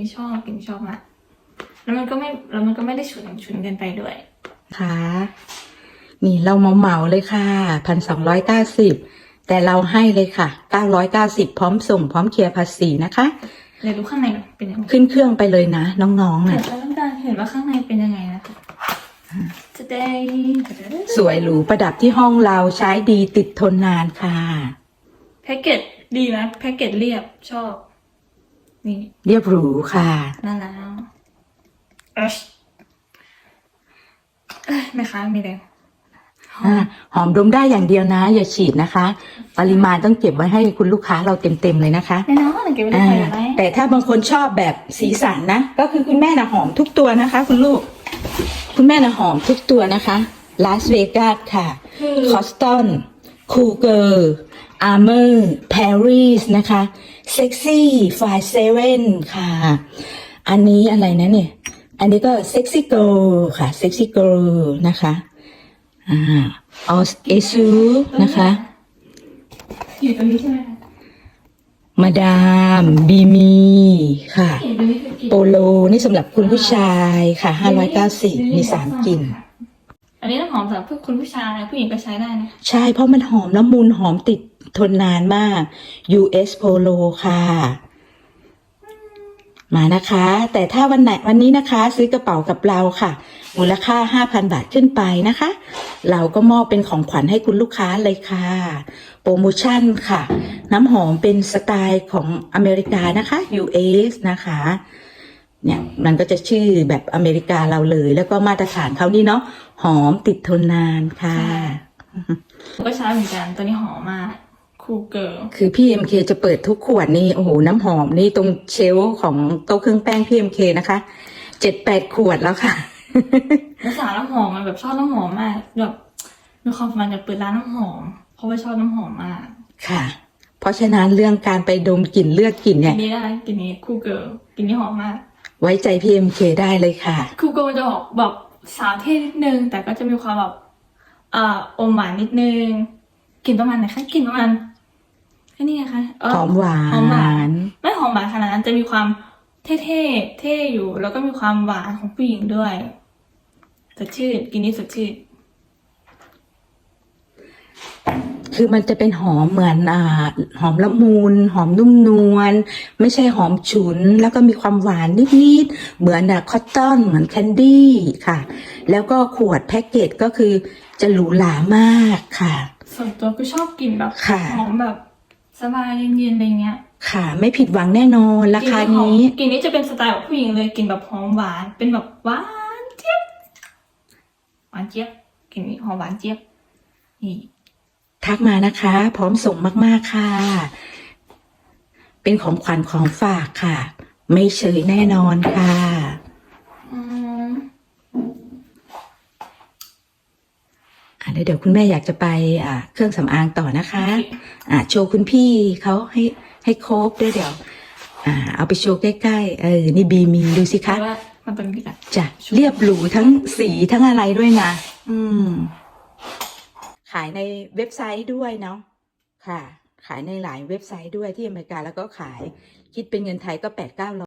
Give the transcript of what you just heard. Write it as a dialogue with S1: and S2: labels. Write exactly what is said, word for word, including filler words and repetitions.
S1: นี้ชอบกลิ่นนี้ชอบมากแล้วมันก็ไม่แล้วมันก็ไม่ได้ฉุนฉุนเกินไปด้วย
S2: ค่ะนี่เราเมาเมาเลยค่ะพันสองร้อยเก้าสิบแต่เราให้เลยค่ะเก้าร้อยเก้าสิบพร้อมส่งพร้อมเคลียร์ภาษีนะคะ
S1: เดี๋ยวดูข้างในเป็นยังไง
S2: ขึ้นเครื่องไปเลยนะน้องๆ
S1: เห็
S2: นะ
S1: นแล้วต้องการเห็นว่าข้างในเป็นยังไงนะคะจะได้
S2: สวยหรูประดับที่ห้องเราใช้ดีติดทนนานค่ะ
S1: แพ็กเกจดีไหมแพ็กเกจเรียบชอบนี่
S2: เรียบหรูค่ะ
S1: น่ารักเอ้ยแม่ค้ามีแรง
S2: หอมดมได้อย่างเดียวนะอย่าฉีดนะคะปริมาณต้องเก็บไว้ให้คุณลูกค้าเราเต็มๆเลยนะคะ
S1: แน่นอนเก็บไว้ได้ไหม
S2: แต่ถ้าบางคนชอบแบบสีสันนะก็คือคุณแม่น่ะหอมทุกตัวนะคะคุณลูกคุณแม่น่ะหอมทุกตัวนะคะลาสเวกัสค่ะคอสตันคูเกอร์อาร์เมอร์ปารีสนะคะเซ็กซี่ไฟเซเว่นค่ะอันนี้อะไรนะเนี่ยอันนี้ก็เซ็กซี่เกิร์ลค่ะเซ็กซี่เกิร์ลนะคะอ่าออสเอซูนะคะ
S1: อยู่ตรงนี้ใช่ไหมคะ
S2: มาดามบีมีค่ะโปโลนี่สำหรับคุณผู้ชายค่ะห้าร้อยเก้าสิบมีสามกลิ่น
S1: อันนี้น้ำหอมสำหรับคุณผู้ชายผู้หญิงก็ใช้ได้นะ
S2: ใช่เพราะมันหอมละมุนหอมติดทนนานมาก ยู เอส Polo ค่ะมานะคะแต่ถ้าวันไหนวันนี้นะคะซื้อกระเป๋ากับเราค่ะมูลค่า ห้าพัน บาทขึ้นไปนะคะเราก็มอบเป็นของขวัญให้คุณลูกค้าเลยค่ะโปรโมชั่นค่ะน้ำหอมเป็นสไตล์ของอเมริกานะคะ ยู เอส นะคะเนี่ยมันก็จะชื่อแบบอเมริกาเราเลยแล้วก็มาตรฐานเขานี่เนาะหอมติดทนนานค่ะ
S1: ก็ใช้เหมือนกันตัวนี้หอมมากคูเกิร์ล
S2: คือพี่ เอ็ม เค จะเปิดทุกขวดนี่โอ้โหน้ำหอมนี่ตรงเชลฟ์ของโต๊ะเครื่องแป้งพี่ เอ็ม เค นะคะเจ็ดแปดขวดแล้วค่ะ
S1: ภาษาน้ำหอมมันแบบชอบน้ำหอมมากแบบมีความฝันอยากเปิดร้านน้ำหอมเพราะว่าชอบน้ำหอมมาก
S2: ค่ะเพราะฉะนั้นเรื่องการไปดมกลิ่นเลือกกลิ่นเนี่ย
S1: กลิ่นนี้ได้กลิ่นนี้คูเกิร์ลกลิ่นนี้หอมมาก
S2: ไว้ใจพี่ เอ็ม เค ได้เลยค่ะ
S1: คูเกิร์ลจะออกแบบสาวเท่นิดนึงแต่ก็จะมีความแบบอ่าอมหวานนิดนึงกลิ่นประมาณไหนคะกลิ่นประมาณแค่นี้นะคะ
S2: หอมหวาน
S1: หอมหวานไม่หอมหวานขนาดนั้นจะมีความเท่ๆเท่อยู่แล้วก็มีความหวานของผู้หญิงด้วยสดชื่นกลิ่นนี้สดชื่น
S2: คือมันจะเป็นหอมเหมือนอ่าหอมละมุนหอมนุ่มนวลไม่ใช่หอมฉุนแล้วก็มีความหวานนิดๆเหมือนอะคอตตอนเหมือนแคนดี้ค่ะแล้วก็ขวดแพ็กเกจก็คือจะหรูหรามากค่ะ
S1: ส่วนตัวคือชอบกลิ่นแบบหอมแบบสบายเย็นๆอะไรเงี้ย
S2: ค่ะไม่ผิดหวังแน่นอนราคานี้
S1: กลิ่นนี้จะเป็นสไตล์ของผู้หญิงเลยกลิ่นแบบหอมหวานเป็นแบบหวานเจี๊ยบหวานเจี๊ยบกลิ่นนี้หอมหวานเจี๊ยบนี่
S2: ทักมานะคะพร้อมส่งมากๆค่ะเป็นของขวัญของฝากค่ะไม่เฉยแน่นอนค่ะอ่าเดี๋ยวคุณแม่อยากจะไปอ่าเครื่องสำอางต่อนะคะอ่าโชว์คุณพี่เขาให้ให้โครบด้วยเดี๋ยวอ่าเอาไปโชว์ใกล้ๆเออนี่บีมีดูสิคะ
S1: มันเป็นแบบ
S2: จะเรียบหรูทั้งสีทั้งอะไรด้วยนะอืมขายในเว็บไซต์ด้วยเนาะค่ะขายในหลายเว็บไซต์ด้วยที่อเมริกาแล้วก็ขายคิดเป็นเงินไทยก็แปดเก้าร้อย